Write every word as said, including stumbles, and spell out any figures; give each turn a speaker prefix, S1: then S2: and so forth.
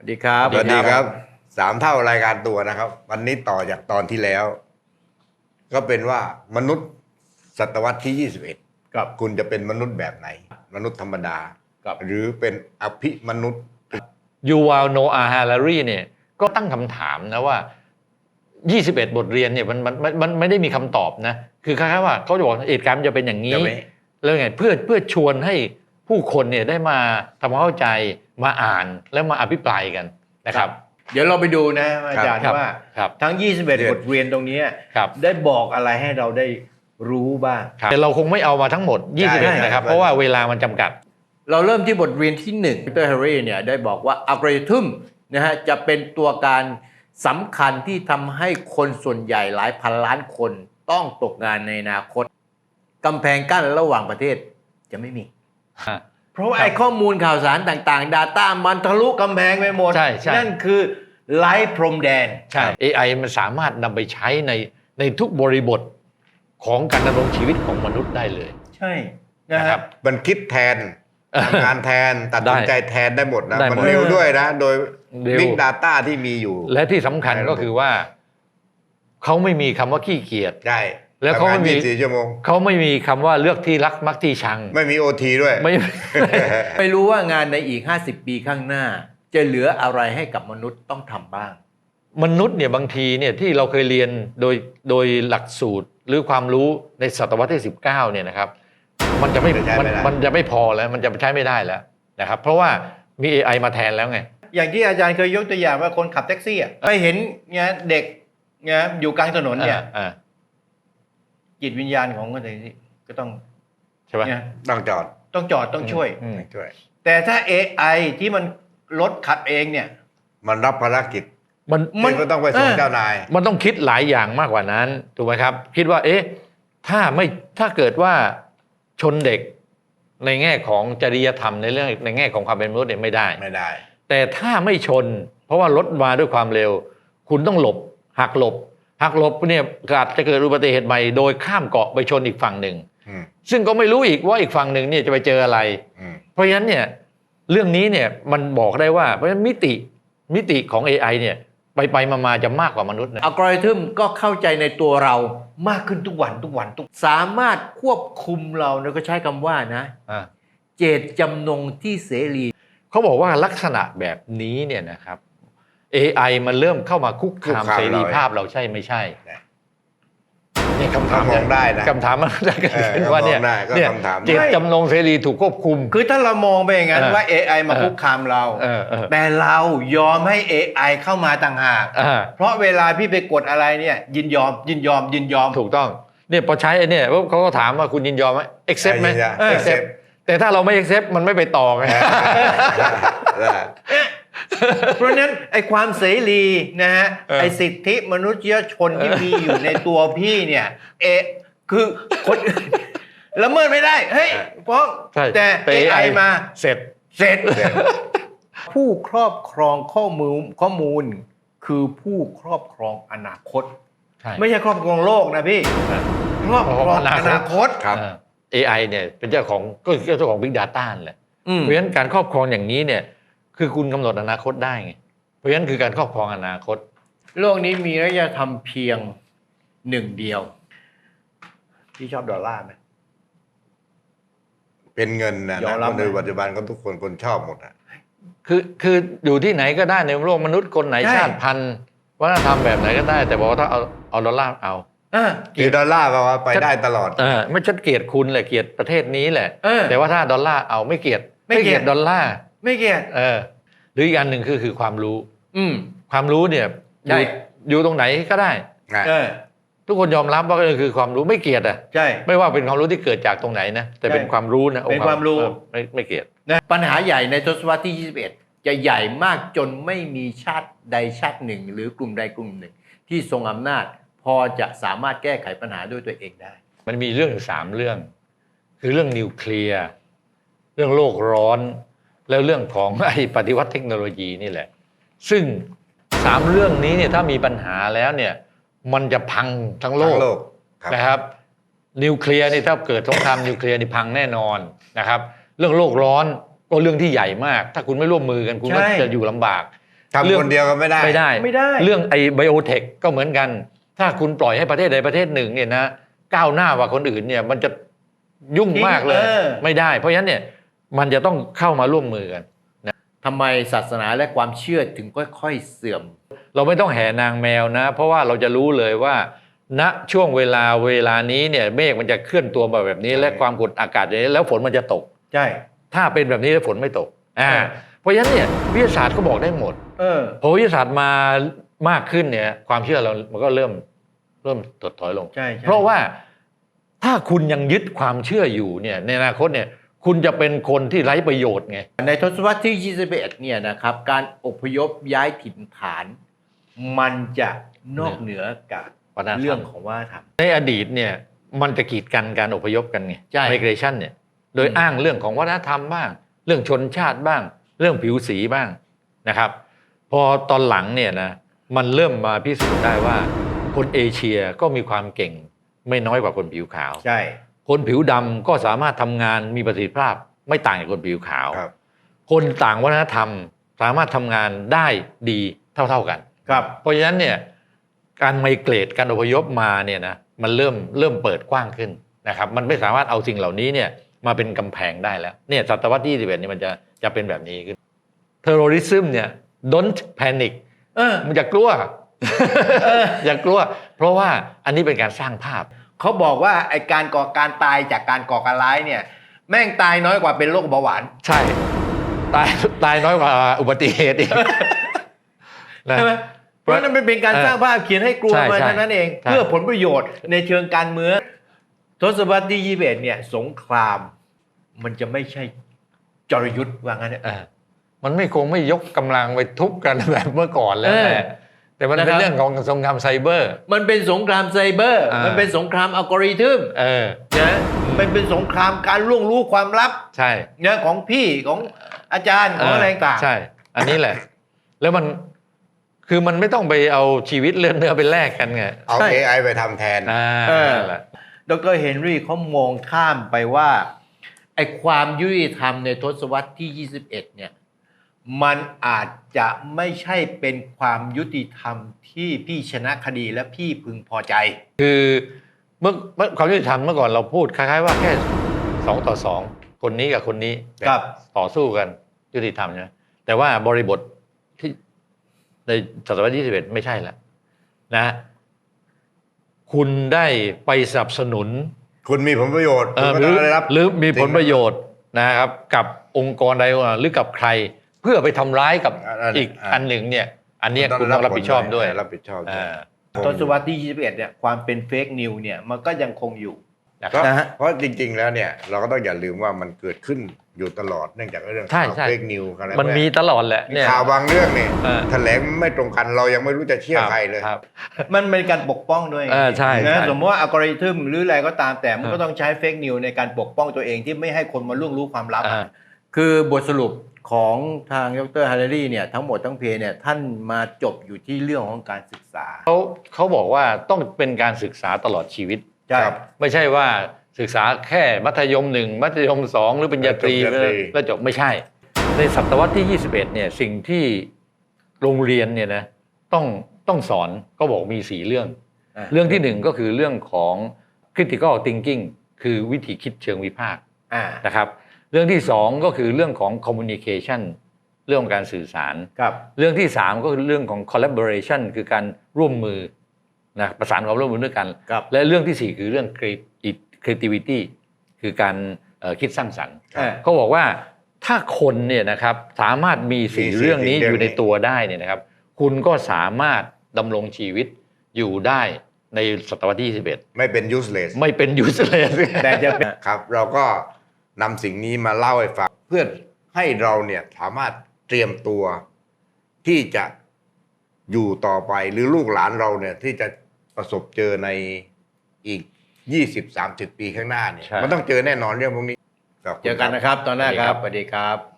S1: สวัสดีครับ
S2: สวัสดีครับสามเท่ารายการตัวนะครับวันนี้ต่อจากตอนที่แล้ว ก็เป็นว่ามนุษย์ศตวรรษที่ยี่สิบเอ็ด
S1: ครับ
S2: คุณจะเป็นมนุษย์แบบไหน มนุษย์ธรรมดา
S1: ครับ
S2: หรือเป็นอภิมนุษย์
S3: ยูวาลโนอาฮารารีเนี่ยก็ตั้งคำถามนะว่ายี่สิบเอ็ดบทเรียนเนี่ยมันมันมันมันไม่ได้มีคำตอบนะคือคล้ายๆว่าเขาจะบอกเหตุการณ์มันจะเป็นอย่างนี้
S2: จะไม่
S3: แล้วไงเพื่อเพื่อชวนให้ผู้คนเนี่ยได้มาทำความเข้าใจมาอ่านแล้วมาอภิปรายกันนะครับ
S1: เดี๋ยวเราไปดูนะอาจารย์
S3: ครับ
S1: ว่า
S3: ครับ
S1: ทั้งยี่สิบเอ็ด
S2: เดี๋ยว
S1: บทเรียนตรงนี้
S3: ครับ
S1: ได้บอกอะไรให้เราได้รู้บ้าง
S3: แต่เราคงไม่เอามาทั้งหมดยี่สิบเอ็ด
S2: ใช่
S3: นะครับ
S2: ใช่
S3: เพราะว่าเวลามันจำกัด
S1: เราเริ่มที่บทเรียนที่หนึ่งดรแฮร์รี่เนี่ยได้บอกว่าอัลกอริทึมนะฮะจะเป็นตัวการสำคัญที่ทำให้คนส่วนใหญ่หลายพันล้านคนต้องตกงานในอนาคตกำแพงกั้นระหว่างประเทศจะไม่มี เพราะว่า
S3: ครับ
S1: ไอ้ข้อมูลข่าวสารต่างๆ Data มันทะลุกำแพงไปหมด
S3: ใช่ใช่
S1: นั่นคือไร้พรมแดน
S3: ใช่ เอ ไอ มันสามารถนำไปใช้ในในทุกบริบทของการดำรงชีวิตของมนุษย์ได้เลย
S1: ใช่นะ
S3: นะค
S1: ค
S3: รั
S1: รับ บ
S2: มันคิดแทนทำงานแทนตัดสินใจแทนได้หมดนะ
S3: ได้หมด
S2: มันเร็วด้วยนะ โดย
S3: เร็ว
S2: Big Data ที่มีอยู่
S3: และที่สำคัญก็คือว่าเขาไม่มีคำว่าขี้เกียจ
S2: ใช่
S3: แล้วเขาไม่
S2: ทำงน
S3: มี
S2: ยี่สิบสี่ชั่วโมง
S3: เขาไม่มีคำว่าเลือกที่รักมักที่ชัง
S2: ไม่มีโอทีด้วย
S3: ไม่
S1: ไม่รู้ว่างานในอีกห้าสิบปีข้างหน้า จะเหลืออะไรให้กับมนุษย์ต้องทำบ้าง
S3: มนุษย์เนี่ยบางทีเนี่ยที่เราเคยเรียนโดยโดยหลักสูตรหรือความรู้ในศตวรรษที่สิบเก้าเนี่ยนะครับ มันจะไม่
S2: จะใช้ไม่
S3: มัน
S2: ได้
S3: มันจะไม่พอแล้วมันจะใช้ไม่ได้แล้วนะครับ เพราะว่ามี เอ ไอ มาแทนแล้วไง
S1: อย่างที่อาจารย์เคยยกตัวอย่างว่าคนขับแท็กซี่อ่ะไปเห็นเนี่ยเด็กเนี่ยอยู่กลางถนนเนี่ย
S3: อ่า
S1: จิตวิญญาณของคนแท็กซี่ก็ต้อง
S3: ใช่ไหม
S1: เนี่ย
S2: ต้องจอด
S1: ต้องจอดต้องช่วย
S3: อืม
S2: ช่วย
S1: แต่ถ้า เอ ไอ ที่มันรถขับเองเนี่ย
S2: มันรับภารกิจ
S3: มัน
S1: มัน
S2: ที่ก็ต้องไปส่ง
S1: เออ
S2: เจ้านาย
S3: มันต้องคิดหลายอย่างมากกว่านั้นถูกไหมครับ คิดว่า เอ๊ะถ้าไม่ถ้าเกิดว่าชนเด็กในแง่ของจริยธรรมในเรื่องในแง่ของความเป็นมนุษย์เนี่ยไม่ได้
S2: ไม่ได้
S3: แต่ถ้าไม่ชน เพราะว่ารถมาด้วยความเร็ว คุณต้องหลบหักหลบหักหลบเนี่ยอาจจะเกิดอุบัติเหตุใหม่โดยข้ามเกาะไปชนอีกฝั่งหนึ่ง
S2: อืม
S3: ซึ่งก็ไม่รู้อีกว่าอีกฝั่งหนึ่งเนี่ยจะไปเจออะไร
S2: อืม
S3: เพราะฉะนั้นเนี่ยเรื่องนี้เนี่ยมันบอกได้ว่าเพราะฉะนั้นมิติมิติของ เอ ไอ เนี่ยไปไปมามาจะมากกว่ามนุษย์นะ
S1: อัลกอริทึมก็เข้าใจในตัวเรามากขึ้นทุกวันทุกวันทุกสามารถควบคุมเราเนี่ยก็ใช้คำว่านะ
S3: อ่า
S1: เจตจำนงที่เสรี
S3: เขาบอกว่าลักษณะแบบนี้เนี่ยนะครับ เอ ไอ มันเริ่มเข้ามาคุกคาม
S2: คุกคาม
S3: เสรี
S2: เรา
S3: ภาพเราใช่ไม่ใช่
S2: นะ
S3: นี่คำถาม
S2: ถ้ามองได้นะ
S3: คำถามมันจะเกิดขึ้น
S2: เออ
S3: ว่าเนี่ย
S2: มองได้ก็
S3: เนี่ย
S2: คำถาม
S3: เจตจำนงเสรีถูกควบคุม
S1: คือถ้าเรามองไปอย่างนั้น
S3: เออ
S1: ว่า เอ ไอ มา
S3: เออ
S1: คุกคามเรา
S3: เออเออ
S1: แต่เรายอมให้ เอ ไอ เข้ามาต่างหาก
S3: อ่า
S1: เพราะเวลาพี่ไปกดอะไรเนี่ยยินยอม ยินยอม ยินยอม
S3: ถูกต้องเนี่ยพอใช้ไอ้เนี่ยปุ๊บเขาก็ถามว่าคุณยินยอมไหม accept ไหม
S2: ยินยอม
S3: เออ accept
S2: accept
S3: แต่ถ้าเราไม่ accept มันไม่ไปต่อไง
S2: ได้
S1: เพราะฉะนั้นไอ้ความเสรีนะฮะ
S3: เออ
S1: ไอ้สิทธิมนุษยชนที่มีอยู่ในตัวพี่เนี่ยเอคือคนอื่นละเมิดไม่ได้เฮ้ยเพราะ
S3: ใช่
S1: แต่
S3: แต่
S1: เอ ไอ มา
S3: เสร็จ
S1: เสร็จ ผู้ครอบครองข้อมูลข้อมูล คือผู้ครอบครองอนาคต
S3: ใช่
S1: ไม่ใช่ครอบครองโลกนะพี่ ครอบครองอนาคต
S2: ครับ
S3: เออ เอ ไอ เนี่ยเป็นเจ้าของก็คือเจ้าของ Big Data นั่นแหละ
S1: อืม
S3: เพราะฉะนั้นการครอบครองอย่างนี้เนี่ยคือคุณกำหนดอนาคตได้ไงเพราะฉะนั้นคือการครอบครองอนาคต
S1: โลกนี้มีระยะทำเพียงหนึ่งเดียว พี่ชอบดอลลาร์ไหม
S2: เป็นเงินนะ
S1: ยอม
S2: นะ
S1: รับ
S2: คนในปัจจุบันก็ทุกคนคนชอบหมดอ่ะ
S3: คือคืออยู่ที่ไหนก็ได้ในโลกมนุษย์คนไหน
S1: ใช่
S3: ชาติพันธุ์วัฒนธรรมแบบไหนก็ได้ แต่บอกว่าถ้าเอาเอาดอลลาร์เอา
S1: อ่ะ
S2: คือดอลลาร์แปลว่าไปได้ตลอด
S3: เออไม่ชัดเกลียดคุณแหละเกลียดประเทศนี้แหละ
S1: เออ
S3: แต่ว่าถ้าดอลลาร์เอาไม่เกลียด
S1: ไม่เกลียด
S3: ดอลลาร์
S1: ไม่เกลียด
S3: เออหรืออีกอันหนึ่งคือคือความรู้
S1: อืม
S3: ความรู้เนี่ยอ
S1: ได้
S3: ยู่อยู่ตรงไหนก็ได้
S1: เออ
S3: ทุกคนยอมรับว่าก็คือความรู้ไม่เกลียดอ่ะ
S1: ใช่
S3: ไม่ว่าเป็นความรู้ที่เกิดจากตรงไหนนะแต่เป็น
S1: ใช่
S3: ความรู้นะ
S1: เป็นความรู้
S3: เออไม่ไม่เกลียด
S1: นะปัญหาใหญ่ในทศวรรษที่ ยี่สิบเอ็ด จะใหญ่มากจนไม่มีชาติใดชาติหนึ่ง หรือกลุ่มใดกลุ่มหนึ่ง ที่ทรงอำนาจ พอจะสามารถแก้ไขปัญหาด้วยตัวเองได้
S3: มันมีเรื่องอยู่สามเรื่อง คือเรื่องนิวเคลียร์เรื่องโลกร้อน แล้วเรื่องของ ไอ้ปฏิวัติเทคโนโลยีนี่แหละ ซึ่งสามเรื่องนี้เนี่ยถ้ามีปัญหาแล้วเนี่ยมันจะพังทั้งโล
S2: ทั้
S3: ก
S2: งโลกครับ
S3: นะครับนิวเคลียร์นี่ถ้าเกิดสงครามนิวเคลียร์นี่พังแน่นอนนะครับ เรื่องโลกร้อนก็เรื่องที่ใหญ่มาก ถ้าคุณไม่ร่วมมือกันคุณก็
S1: ใช่
S3: จะอยู่ลำบาก
S2: ทำคนเดียวก็ไม่ได้
S3: ไม่ได้
S1: ไม่ได้
S3: เรื่องไอ้ไบโอเทคก็เหมือนกัน ถ้าคุณปล่อยให้ประเทศใดประเทศหนึ่งเนี่ยนะก้าวหน้ากว่าคนอื่นเนี่ยมันจะยุ่งมากเลย
S1: เออ
S3: ไม่ได้ เพราะฉะนั้นเนี่ยมันจะต้องเข้ามาร่วมมือกัน
S1: ทำไมศาสนาและความเชื่อถึงค่อยๆเสื่อม
S3: เราไม่ต้องแห่นางแมวนะ เพราะว่าเราจะรู้เลยว่า ณช่วงเวลาเวลานี้เนี่ยเมฆมันจะเคลื่อนตัวมาแบบนี้
S2: ใช่
S3: และความกดอากาศอย่างนี้แล้วฝนมันจะตก
S1: ใช่
S3: ถ้าเป็นแบบนี้แล้วฝนไม่ตกอ่า
S1: เออ
S3: เพราะฉะนั้นเนี่ยวิทยาศาสตร์ก็บอกได้หมด
S1: เออ
S3: พอวิทยาศาสตร์มามากขึ้นเนี่ยความเชื่อเรามันก็เริ่มเริ่มถดถอยลง
S1: ใช่ใช่
S3: เพราะว่าถ้าคุณยังยึดความเชื่ออยู่เนี่ยในอนาคตเนี่ยคุณจะเป็นคนที่ไร้ประโยชน์ไง
S1: ในทศวรรษที่ ยี่สิบเอ็ด เนี่ยนะครับ การอพยพย้ายถิ่นฐาน มันจะนอกเหนือกับ
S3: วัฒนธรรม
S1: เรื่องของวัฒนธรรม
S3: ในอดีตเนี่ยมันจะกีดกันการอพยพกันไง
S1: ใช่
S3: migration เนี่ยโดย
S1: อืม
S3: อ้างเรื่องของวัฒนธรรมบ้าง เรื่องชนชาติบ้าง เรื่องผิวสีบ้างนะครับ พอตอนหลังเนี่ยนะมันเริ่มมาพิสูจน์ได้ว่า คนเอเชียก็มีความเก่งไม่น้อยกว่าคนผิวขาว
S1: ใช่
S3: คนผิวดำก็สามารถทำงานมีประสิทธิภาพไม่ต่างจากคนผิวขาว
S2: ครับ
S3: คนต่างวัฒนธรรมสามารถทำงานได้ดีเท่าๆกัน
S1: ครับ
S3: เพราะฉะนั้นเนี่ยการไมเกรดการอพยพมาเนี่ยนะมันเริ่มเริ่มเปิดกว้างขึ้นนะครับมันไม่สามารถเอาสิ่งเหล่านี้เนี่ยมาเป็นกำแพงได้แล้วเนี่ยศตวรรษที่ยี่สิบเอ็ดนี่มันจะจะเป็นแบบนี้ขึ้น terrorism เนี่ย don't panic
S1: เออ
S3: มันจะกลัว อย่ากลัว เพราะว่าอันนี้เป็นการสร้างภาพ
S1: เขาบอกว่าไอการก่อการตายจากการก่อการร้ายเนี่ย แม่งตายน้อยกว่าเป็นโรคเบาหวาน
S3: ใช่ตายตายน้อยกว่าอุบัติเหตุอีกนะ
S1: ใช่ไหมเพราะนั่นมันเป็นการสร้างภาพเขียนให้กลัว
S3: ใช่
S1: มา
S3: ใช่
S1: เท่านั้นเอง
S3: ใช่
S1: เพื่อผลประโยชน์ในเชิงการเมืองทศวรรษที่ ยี่สิบเอ็ด เนี่ยสงคราม มันจะไม่ใช่จรยุทธ์ว่างั้นเนี่ย
S3: เออมันไม่คงไม่ยกกำลังไปทุบกันแบบเมื่อก่อนแล้ว
S1: เออ
S3: แหละแต่มันเป็น
S1: นะครับ
S3: เรื่องของสงครามไซเบอร์
S1: มันเป็นสงครามไซเบอร์
S3: อ่ามั
S1: มันเป็นสงครามอัลกอริทึม
S3: เออ
S1: นะมันเป็นสงครามการล่วงรู้ความลับ
S3: ใช่
S1: นะของพี่ของอาจารย์ของอะไรต่างๆ
S3: ใช่ อันนี้แหละ แล้วมันคือมันไม่ต้องไปเอาชีวิตเลือดเนื้อไปแลกกันไง
S2: เอา
S1: ใช่
S2: เอไอไปทำแทน
S3: อ่า
S1: เออ
S3: นั่นแหละ
S1: ดรเฮนรี่เขามองข้ามไปว่าไอ้ความยุติธรรมในทศวรรษที่ ยี่สิบเอ็ด เนี่ยมันอาจจะไม่ใช่เป็นความยุติธรรมที่พี่ชนะคดีและพี่พึงพอใจ
S3: คือเมื่อเมื่อความยุติธรรมเมื่อก่อนเราพูดคล้ายๆว่าแค่สองต่อสองคนนี้กับคนนี้
S1: ครับ
S3: ต่อสู้กันยุติธรรมนะแต่ว่าบริบทที่ในศตวรรษที่ยี่สิบเอ็ดไม่ใช่แล้วนะ คุณได้ไปสนับสนุน
S2: คุณมีผลประโยชน์
S3: เอ่
S2: คุณ
S3: อ
S2: ก็
S3: ห
S2: ต้
S3: รือ
S2: องได้รับ
S3: หรือมีผลประโยชน์นะครับ กับองค์กรใดองค์หนึ่งหรือกับใคร เพื่อไปทำร้ายกับ
S2: อัน
S3: อีก
S2: อ่า
S3: อันหนึ่งเนี่ย อันเนี้ยคุณต้องรับผิดชอบด้วย
S2: รับผิดชอบด้วย
S3: อ่า
S1: ทศวรรษที่ ยี่สิบเอ็ด เนี่ยความเป็นเฟกนิวเนี่ยมันก็ยังคงอยู่
S3: นะค
S2: ก็
S3: รับ
S1: นะฮะ
S2: เพราะจริง ๆ แล้วเนี่ย เราก็ต้องอย่าลืมว่ามันเกิดขึ้นอยู่ตลอดเนื่องจากเรื่อง
S3: ใช่
S2: ข่าว
S3: ใช่
S2: เฟกนิวอะไร
S3: มันมีตลอดแหละเนี่ย
S2: ข่าวบางเรื่องเนี่ย
S3: เออ
S2: แถลงไม่ตรงกันเรายังไม่รู้จะเชื่อใครเลย
S3: ครับ
S1: มันเป็นการปกป้องด้วย
S3: เออใช่
S1: นะ
S3: ใช่
S1: สมมติว่าอัลกอริทึมหรืออะไรก็ตามแต่มัน
S3: เออ
S1: ก็ต้องใช้เฟกนิวในการปกป้องตัวเองที่ไม่ให้คนมาล่วงรู้ความลับ
S3: อ่า
S1: คือบทสรุปของทางดรฮาร์เรรี่เนี่ยทั้งหมดทั้งเพลเนี่ยท่านมาจบอยู่ที่เรื่องของการศึกษา
S3: เขาเขาบอกว่าต้องเป็นการศึกษาตลอดชีวิต
S1: ใช่
S2: ครับ
S3: ไม่ใช่ว่าศึกษาแค่มัธยมหนึ่งมัธยมสองหรือปริญญาตรี
S2: ปริญญาตรี
S3: แล้วจบไม่ใช่ ในศตวรรษที่ ยี่สิบเอ็ด เนี่ยสิ่งที่โรงเรียนเนี่ยนะต้องต้องสอนก็บอกมีสี่เรื่อง
S1: อ่า
S3: เรื่องที่หนึ่งก็คือเรื่องของ critical thinking คือวิธีคิดเชิงวิพากษ์
S1: อ่า
S3: นะครับ เรื่องที่สองก็คือเรื่องของ communication เรื่องของการสื่อสาร
S1: ครับ
S3: เรื่องที่สามก็คือเรื่องของ collaboration คือการร่วมมือนะประสานความร่วมมือด้วยกัน
S1: ครับ
S3: และเรื่องที่สี่คือเรื่อง creativity คือการเอ่อคิดสร้างสรรค์
S1: อ่า
S3: เขาบอกว่าถ้าคนเนี่ยนะครับสามารถมีสี่
S2: มีสี่
S3: เรื่องนี้
S2: สิ่ง
S3: อยู่ใน
S2: เรื่องนี้
S3: ตัวได้เนี่ยนะครับ คุณก็สามารถดำรงชีวิตอยู่ได้ในศตวรรษที่ยี่สิบเอ็ด
S2: ไม่เป็น useless
S3: ไม่เป็น useless
S1: แต่จะเป็น
S2: ครับ เราก็นำสิ่งนี้มาเล่าให้ฟังเพื่อให้เราเนี่ยสามารถเตรียมตัวที่จะอยู่ต่อไปหรือลูกหลานเราเนี่ยที่จะประสบเจอในอีก ยี่สิบ สามสิบ ปีข้างหน้าเนี่ย
S3: ใช่
S2: มันต้องเจอแน่นอนเรื่องพวกนี้ขบคุณ
S1: เจอกัน
S2: ครับ
S1: นะครับ ตอนหน้าครับ สวัสดีครับ